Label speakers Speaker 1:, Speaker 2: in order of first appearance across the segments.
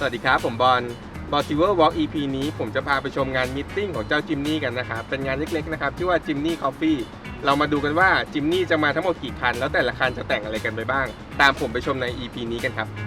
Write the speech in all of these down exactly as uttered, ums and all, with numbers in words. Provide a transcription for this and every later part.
Speaker 1: วัสดีครับผมบอลบอลซิเวอร์วอล์ก อี พี นี้ผมจะพาไปชมงานมิทติ้งของเจ้าจิมนี่กันนะครับเป็นงานเล็กๆนะครับชื่อว่าจิมนี่คอฟฟี่เรามาดูกันว่าจิมนี่จะมาทั้งหมดกี่คันแล้วแต่ละคันจะแต่งอะไรกันไปบ้างตามผมไปชมใน อี พี นี้กันครับ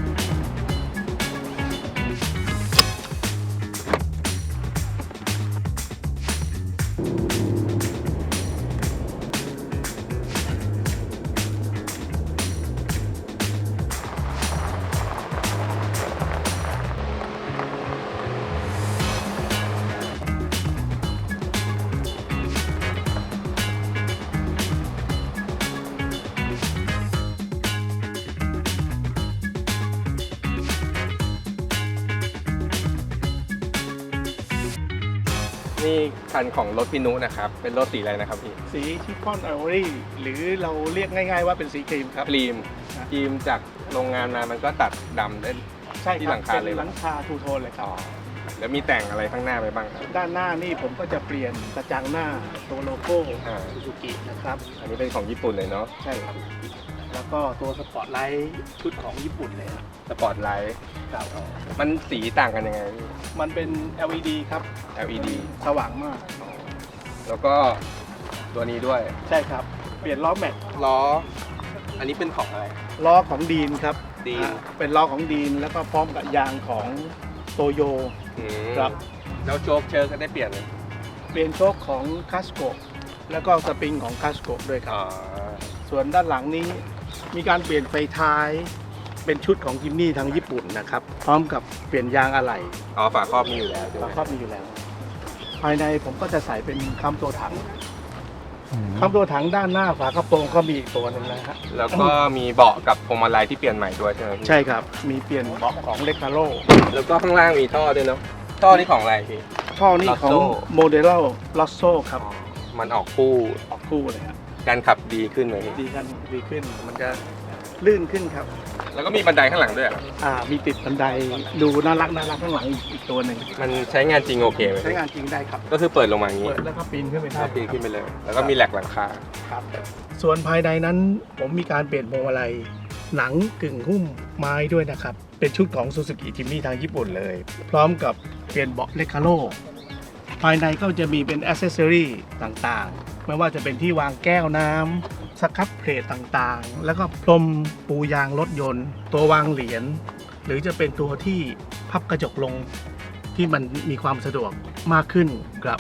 Speaker 1: นี่คันของรถพี่นุนะครับเป็นรถสีอะไรนะครับพี่
Speaker 2: สีชิฟฟ่อนไอวอรี่หรือเราเรียกง่ายๆว่าเป็นสีครีมครับ
Speaker 1: ครีมครีมจากโรงงานมามันก็ตัดดำได้
Speaker 2: ใช่
Speaker 1: ที่หลังคาเลย
Speaker 2: หลังคาทูโทนเลยครับ
Speaker 1: แล้วมีแต่งอะไรข้างหน้าไปบ้างครับ
Speaker 2: ด้านหน้านี่ผมก็จะเปลี่ยนกระจังหน้าตัวโลโก้ซูซูกินะครับ
Speaker 1: อันนี้เป็นของญี่ปุ่นเลยเนาะ
Speaker 2: ใช่ครับแล้วก็ตัวสปอร์ตไลท์ชุดของญี่ปุ่นเลยครับ
Speaker 1: สปอร์ตไลท์
Speaker 2: ครับ
Speaker 1: มันสีต่างกันยังไง
Speaker 2: มันเป็น แอล อี ดี ครับ
Speaker 1: แอล อี ดี
Speaker 2: สว่างมาก
Speaker 1: แล้วก็ตัวนี้ด้วย
Speaker 2: ใช่ครับเปลี่ยนล้อแม็ก
Speaker 1: ล้ออันนี้เป็นของอะไร
Speaker 2: ล้อของดีนครับ
Speaker 1: ดีน
Speaker 2: เป็นล้อของดีนแล้วก็พร้อมกับยางของโตโยครับ
Speaker 1: แล้วโจ๊กเชิร์ก็ได้เปลี่ยนเลย
Speaker 2: เปลี่ยนโชคของคาสโกแล้วก็สปริงของคาสโกด้วยครับส่วนด้านหลังนี้มีการเปลี่ยนไฟท้ายเป็นชุดของจิมนี่ทางญี่ปุ่นนะครับพร้อมกับเปลี่ยนยางอะไหล่
Speaker 1: อ๋อฝาครอบมีอยู่แล้ว
Speaker 2: ฝาครอบมีอยู่แล้วภายในผมก็จะใส่เป็นคำตัวถังคำตัวถังด้านหน้าฝากระโปรงก็มีอีกตัวนึงนะฮะ
Speaker 1: แล้วก็มีเบาะกับพวงมาลัยที่เปลี่ยนใหม่ด้วยใช่ไหม
Speaker 2: ใช่ครับมีเปลี่ยนเบาะของเลคาโร
Speaker 1: แล้วก็ข้างล่างมีท่อด้วยเนาะท่อนี่ของอะไรพี่
Speaker 2: ท่อนี่ของโมเดลลอสโซครับ
Speaker 1: มันออกคู่
Speaker 2: ออกคู่เลยครับ
Speaker 1: การขับดีขึ้นไหม
Speaker 2: ดีกันดีขึ้นมันจะลื่นขึ้นครับ
Speaker 1: แล้วก็มีบันไดข้างหลังด้วย
Speaker 2: อ่ามีติดบันไดดูน่ารักน่ารักข้างหลังอีกตัวหนึ่ง
Speaker 1: มันใช้งานจริงโอเคไหม
Speaker 2: ใช้งานจริงได้ครับ
Speaker 1: ก็คือเปิดลงมาอย่างนี้
Speaker 2: เปิดแล้วก็ปีนขึ้นไปได้
Speaker 1: ปีนขึ้นไปเลยแล้วก็มีแหลกหลังคา
Speaker 2: ครับส่วนภายในนั้นผมมีการเปลี่ยนพวงมาลัยหนังกึ่งหุ้มไม้ด้วยนะครับเป็นชุดของ Suzuki Jimny ทางญี่ปุ่นเลยพร้อมกับเปลี่ยนเบาะเลคาโรภายในก็จะมีเป็นแอคเซสซอรี่ต่างๆไม่ว่าจะเป็นที่วางแก้วน้ำสครับเพลทต่างๆแล้วก็พรมปูยางรถยนต์ตัววางเหรียญหรือจะเป็นตัวที่พับกระจกลงที่มันมีความสะดวกมากขึ้นครับ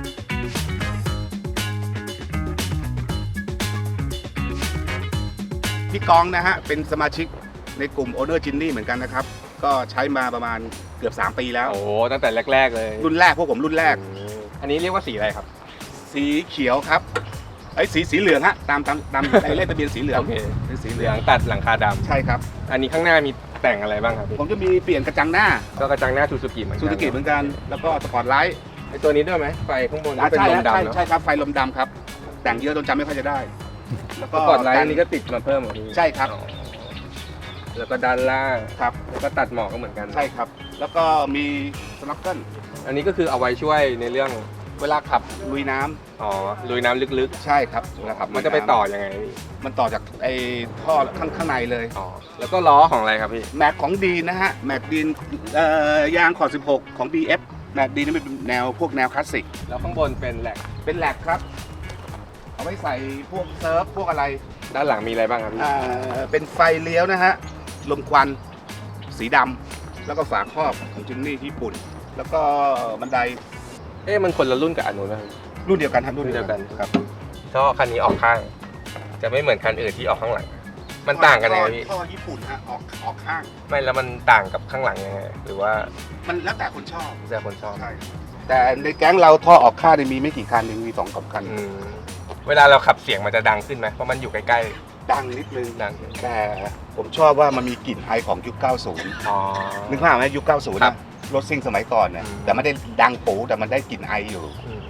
Speaker 3: พี่กองนะฮะเป็นสมาชิกในกลุ่ม Owner Jimny เหมือนกันนะครับก็ใช้มาประมาณเกือบสามปีแล้ว
Speaker 1: โอ้ตั้งแต่แรกๆเลย
Speaker 3: รุ่นแรกพวกผมรุ่นแรก
Speaker 1: อันนี้เรียกว่าสีอะไรครับ
Speaker 3: สีเขียวครับไอ้สีสีเหลืองฮะตามตามตามเลขทะเบียนสีเหลือง
Speaker 1: โอเคเป็นสีเหลืองตัดหลังคาดำ
Speaker 3: ใช่ครับ
Speaker 1: อันนี้ข้างหน้ามีแต่งอะไรบ้างครับ
Speaker 3: ผมจะมีเปลี่ยนกระจังหน้า
Speaker 1: ก็กระจังหน้าซูซูกิเหมือนกัน
Speaker 3: ซูซูกิเหมือนกันแล้วก็สปอร์ตไลท์
Speaker 1: ไอ้ตัวนี้ด้วยไหมไฟข้างบน
Speaker 3: เป็นลมดำเนาะใช่ครับไฟลมดำครับแต่งเยอะจนจำไม่ค่อยจะได้
Speaker 1: แล้วก็สปอร์ตไลท์นี้ก็ติดมาเพิ่ม
Speaker 3: ใช่ครับ
Speaker 1: แล้วก็ด้านล่าง
Speaker 3: ครับ
Speaker 1: แล้วก็ตัดหมอกก็เหมือนกัน
Speaker 3: ใช่ครับแล้วก็มีสน็อกเกิล
Speaker 1: อันนี้ก็คือเอาไว้ช่วยในเรื่อง
Speaker 3: เวลาขับลุยน้
Speaker 1: ำอ๋อลุยน้ำลึก
Speaker 3: ๆใช่ครับ
Speaker 1: นะครับมันจะไปต่อยังไง
Speaker 3: มันต่อจากไอ้ท่อข้างข้างในเลย
Speaker 1: อ๋อแล้วก็ล้อของอะไรครับพี่
Speaker 3: แม็กของดีนะฮะแม็กดีนเอ่อยางขอดสิบหกของ บี เอฟ แม็กดีนนี่เป็นแนวพวกแนวคลาสสิก
Speaker 1: แล้วข้างบนเป็นแหลก
Speaker 3: เป็นแหลกครับเอาไว้ใส่พวกเซิร์ฟพวกอะไร
Speaker 1: ด้านหลังมีอะไรบ้างครับพี่
Speaker 3: อ่าเป็นไฟเลี้ยวนะฮะลมควันสีดำแล้วก็ฝาครอบของจิมนี่ญี่ปุ่นแล้วก็บันได
Speaker 1: เอ๊ะมันคนละรุ่นกับอันนู้นไหม
Speaker 3: รุ่นเดียวกันครับ
Speaker 1: รุ่นเดียวกันครับท่อคันนี้ออกข้างจะไม่เหมือนคันอื่นที่ออกข้างหลังมันต่างกันยังไงพี่
Speaker 3: ท่อญี่ปุ่นฮะออกออกข้าง
Speaker 1: ไม่แล้วมันต่างกับข้างหลังยังไงหรือว่า
Speaker 3: มันแล้วแต่คนชอบ
Speaker 1: แต่คนชอบ
Speaker 3: ใช่แต่ในแก๊งเราท่อออกข้างมีไม่กี่คันเองมีสองสามคัน
Speaker 1: เวลาเราขับเสียงมันจะดังขึ้นไหมเพราะมันอยู่ใกล้
Speaker 3: ๆดังนิดนึง
Speaker 1: ดัง
Speaker 3: แต่ผมชอบว่ามันมีกลิ่นไอของยุคเก้าสิบอ๋อนึกภาพไหมยุคเก้าสิบนะรถซิ่งสมัยก่อนเนี่ยแต่ไม่ได้ดังปูแต่มันได้กลิ่นไออยู่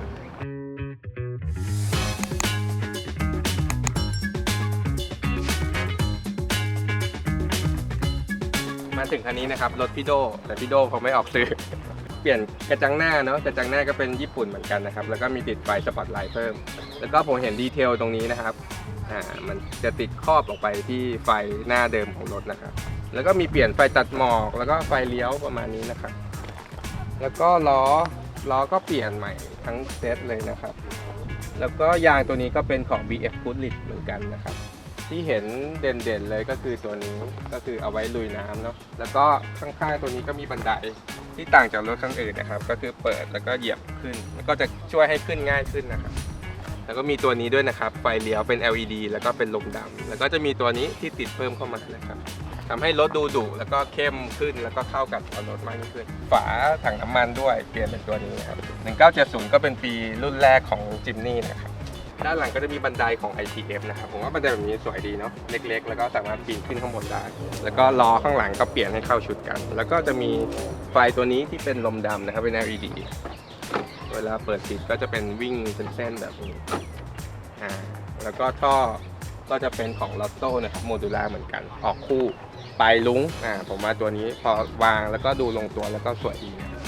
Speaker 1: มาถึงคันนี้นะครับรถพี่โดแต่พี่โดเขาไม่ออกสื่อเปลี่ยนกระจังหน้าเนาะกระจังหน้าก็เป็นญี่ปุ่นเหมือนกันนะครับแล้วก็มีติดไฟสปอตไลท์เพิ่มแล้วก็ผมเห็นดีเทลตรงนี้นะครับอ่ามันจะติดครอบออกไปที่ไฟหน้าเดิมของรถนะครับแล้วก็มีเปลี่ยนไฟตัดหมอกแล้วก็ไฟเลี้ยวประมาณนี้นะครับแล้วก็ล้อล้อก็เปลี่ยนใหม่ทั้งเซตเลยนะครับแล้วก็ยางตัวนี้ก็เป็นของ บี เอฟ Goodrich เหมือนกันนะครับที่เห็นเด่นๆเลยก็คือตัวนี้ก็คือเอาไว้ลุยน้ำเนาะแล้วก็ข้างๆตัวนี้ก็มีบันไดที่ต่างจากรถคันอื่นนะครับก็คือเปิดแล้วก็เหยียบขึ้นแล้วก็จะช่วยให้ขึ้นง่ายขึ้นนะครับแล้วก็มีตัวนี้ด้วยนะครับไฟเลี้ยวเป็น แอล อี ดี แล้วก็เป็นลมดำแล้วก็จะมีตัวนี้ที่ติดเพิ่มเข้ามานะครับทำให้รถดูดุแล้วก็เข้มขึ้นแล้วก็เข้ากับรถมากยิ่งขึ้นฝาถังน้ำมันด้วยเปลี่ยนเป็นตัวนี้ครับหนึ่งเก้าเจ็ดศูนย์ก็เป็นปีรุ่นแรกของจิมนี่นะครับด้านหลังก็จะมีบันไดของ ไอ ที เอฟ นะครับผมว่าบันไดแบบนี้สวยดีเนาะเล็กๆแล้วก็สามารถปีนขึ้นข้างบนได้แล้วก็ล้อข้างหลังก็เปลี่ยนให้เข้าชุดกัน แล้วก็จะมีไฟตัวนี้ที่เป็นลมดำนะครับเป็น แอล อี ดี เวลาเปิดปิดก็จะเป็นวิ่งเป็นเส้นแบบนี้อ่าแล้วก็ท่อก็จะเป็นของลอตโต้นะครับโมดูล่าเหมือนกันออกคู่ปลายลุ้งอ่าผมว่าตัวนี้พอวางแล้วก็ดูลงตัวแล้วก็สวยดีนะ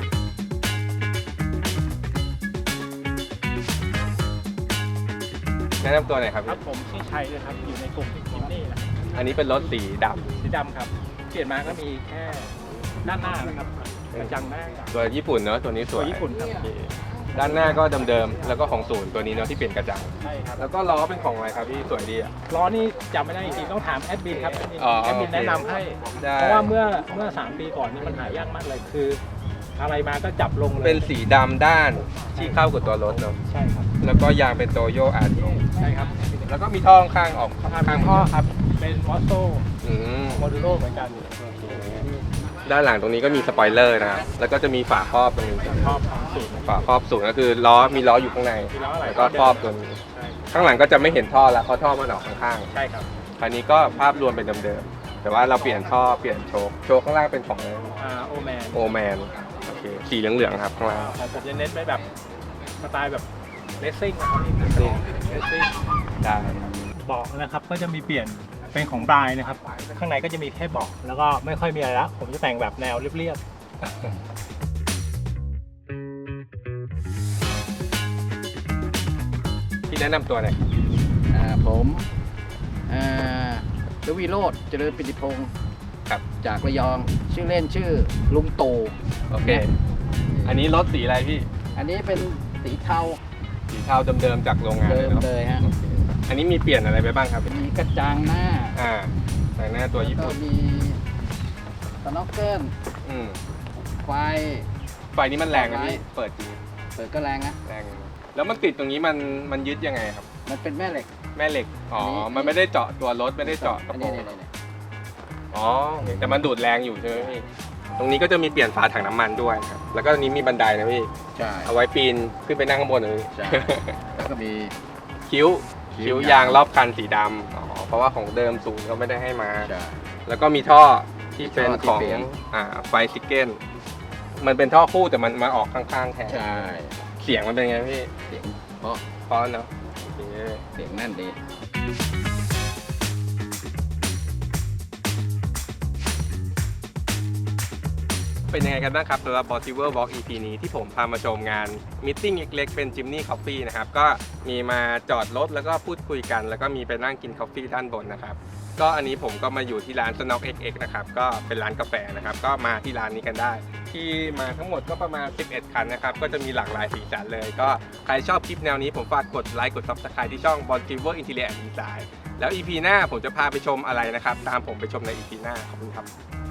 Speaker 1: แนะนำตัวหน่อยครับ
Speaker 4: ครับผมชื่อชัยเลยครับอยู่ในกลุ่มจิมนี่นะ
Speaker 1: อันนี้เป็นรถสีด
Speaker 4: สีดำครับเปลี่ยนมาก็มีแค่ด้านหน้านะครับกระจังหน้า
Speaker 1: ำตัวญี่ปุ่นเนอะตัวนี้ส
Speaker 4: ตัว
Speaker 1: วย
Speaker 4: ญี่ปุ่นครับ
Speaker 1: โอเคด้านหน้าก็เดิมๆแล้วก็ของศูนย์ตัวนี้เนาะที่เปลี่ยนกระจัง
Speaker 4: ใช่ครับ
Speaker 1: แล้วก็ล้อเป็นของอะไรครับพี่สวยดีอ่ะ
Speaker 4: ล้อนี่จำไม่ได้จริงๆต้องถามแอดมินครับแอดมิน
Speaker 1: อ๋อ
Speaker 4: แอดมินแนะนำให้
Speaker 1: ได้
Speaker 4: เพราะว่าเมื่อเมื่อสามปีก่อนนี่มันหายากมากเลยคือ อะไรมาก็จับลงเลย
Speaker 1: เป็นสีดำด้านที่เข้ากับตัวรถเนาะ
Speaker 4: ใช่ครับ
Speaker 1: แล้วก็ยางเป็นโตโยอาร์
Speaker 4: ใช่ครับ
Speaker 1: แล้วก็มีท่อข้างๆออกข้าง
Speaker 4: ทาง
Speaker 1: ๆ
Speaker 4: พ่อครับเป็นมอสโต
Speaker 1: อืม
Speaker 4: โมดูโลเหมือนกัน
Speaker 1: ด้านหลังตรงนี้ก็มีสปอยเลอร์นะครับแล้วก็จะมีฝาครอบตรงนี้
Speaker 4: ชอบของสูตร
Speaker 1: ฝาครอบสูงก็คือล้อมีล้ออยู่ข้างใน
Speaker 4: มีล้ออะไร
Speaker 1: แล้วก็ครอบตัวนี้
Speaker 4: ใช่
Speaker 1: ข้างหลังก็จะไม่เห็นท่อแล้วเพราะท่อมันออกข้าง
Speaker 4: ใช่ครับ
Speaker 1: ๆคราวนี้ก็ภาพรวมเป็นเดิมๆแต่ว่าเราเปลี่ยนท่อเปลี่ยนโชคโชคข้างล่างเป็นของ
Speaker 4: อ่าโอแมน
Speaker 1: โอแมนโอเคสีเหลืองๆครับข้างล่าง
Speaker 4: ของผมจะเน้นไปแบบสไตล์แบบเลสซิ่งนะครับเลสซิ่งเลสซิ่ง
Speaker 1: ได้ครับ
Speaker 4: เบาะนะครับก็จะมีเปลี่ยนเป็นของบรายนะครับข้างในก็จะมีแค่เบาะแล้วก็ไม่ค่อยมีอะไรละผมจะแต่งแบบแนวเรียบ
Speaker 1: ที่แนะนำตัวหน่อย
Speaker 5: อ่าผมอ่าดวีโรจน์เจริญปิติพงศ์
Speaker 1: ครับ
Speaker 5: จากระยองชื่อเล่นชื่อลุงตู่
Speaker 1: โอเค อันนี้รถสีอะไรพี่
Speaker 5: อันนี้เป็นสีเทา
Speaker 1: สีเทาเดิมๆจากโรงงาน
Speaker 5: เดิ
Speaker 1: เลย
Speaker 5: ม
Speaker 1: เนาะ
Speaker 5: เลยฮะ
Speaker 1: โอเคอันนี้มีเปลี่ยนอะไรไปบ้างครับ
Speaker 5: มีกระจังหน้า
Speaker 1: อ่าแต่งหน้าตัวญี่
Speaker 5: แล้วก็
Speaker 1: ปุ่น
Speaker 5: มีสน็อกเกิล
Speaker 1: อืม
Speaker 5: ไฟ
Speaker 1: ไฟนี้มันแรงนะพี่เปิดจริง
Speaker 5: เปิดก็แรงนะ
Speaker 1: แรงอยู่แล้วมันติดตรงนี้มันมันยึดยังไงครับ
Speaker 5: มันเป็นแม่เหล็ก
Speaker 1: แม่เหล็กอ๋ออน
Speaker 5: นี้
Speaker 1: มันไม่ได้เจาะตัวรถไม่ได้เจาะกระ
Speaker 5: อัน
Speaker 1: โปร
Speaker 5: นี้
Speaker 1: ง
Speaker 5: นี่นี่
Speaker 1: อ๋อโอเคแต่มันดูดแรงอยู่ใช่ไหมพี่ตรงนี้ก็จะมีเปลี่ยนฝาถังน้ำมันด้วยครับแล้วก็ตรงนี้มีบันไดนะพี่
Speaker 5: ใช่
Speaker 1: เอาไว้ปีนขึ้นไปนั่งข้างบนเลย
Speaker 5: ใช่แล้วก็มี
Speaker 1: คิ้ว
Speaker 5: คิ้
Speaker 1: คิ้
Speaker 5: ว
Speaker 1: วยางรอบคันสีดำอ๋อเพราะว่าของเดิมสูงเขาไม่ได้ให้มา
Speaker 5: ใช่
Speaker 1: แล้วก็มีท่อที่เป็น
Speaker 5: ท่อที่
Speaker 1: ของ
Speaker 5: เปลี่ยน
Speaker 1: อ่าไฟซิเก้นมันเป็นท่อคู่แต่มันมาออกข้างๆแทน
Speaker 5: ใช่
Speaker 1: เสียงมันเป็นไงพี่
Speaker 5: เสียงเพราะ
Speaker 1: เพราะเนาะโอเค
Speaker 5: เสียงแน่นดี
Speaker 1: เป็นยังไงกันบ้างครับสำหรับ Possible Walk อี พี นี้ที่ผมพามาชมงานมิทติ้งเล็กๆเป็น Jimny Coffee นะครับก็มีมาจอดรถแล้วก็พูดคุยกัน แล้วก็มีไปนั่งกินกาแฟด้านบนนะครับก็อันนี้ผมก็มาอยู่ที่ร้าน Snock เอ็กซ์ เอ็กซ์ นะครับก็เป็นร้านกาแฟนะครับก็มาที่ร้านนี้กันได้ ที่มาทั้งหมดก็ประมาณสิบเอ็ดคันนะครับก็จะมีหลากหลายสีสันเลย ก็ใครชอบคลิปแนวนี้ผมฝากกดไลค์กด Subscribe ที่ช่อง Possible Interior and Design แล้ว อี พี หน้าผมจะพาไปชมอะไรนะครับตามผมไปชมใน อี พี หน้าขอบคุณครับ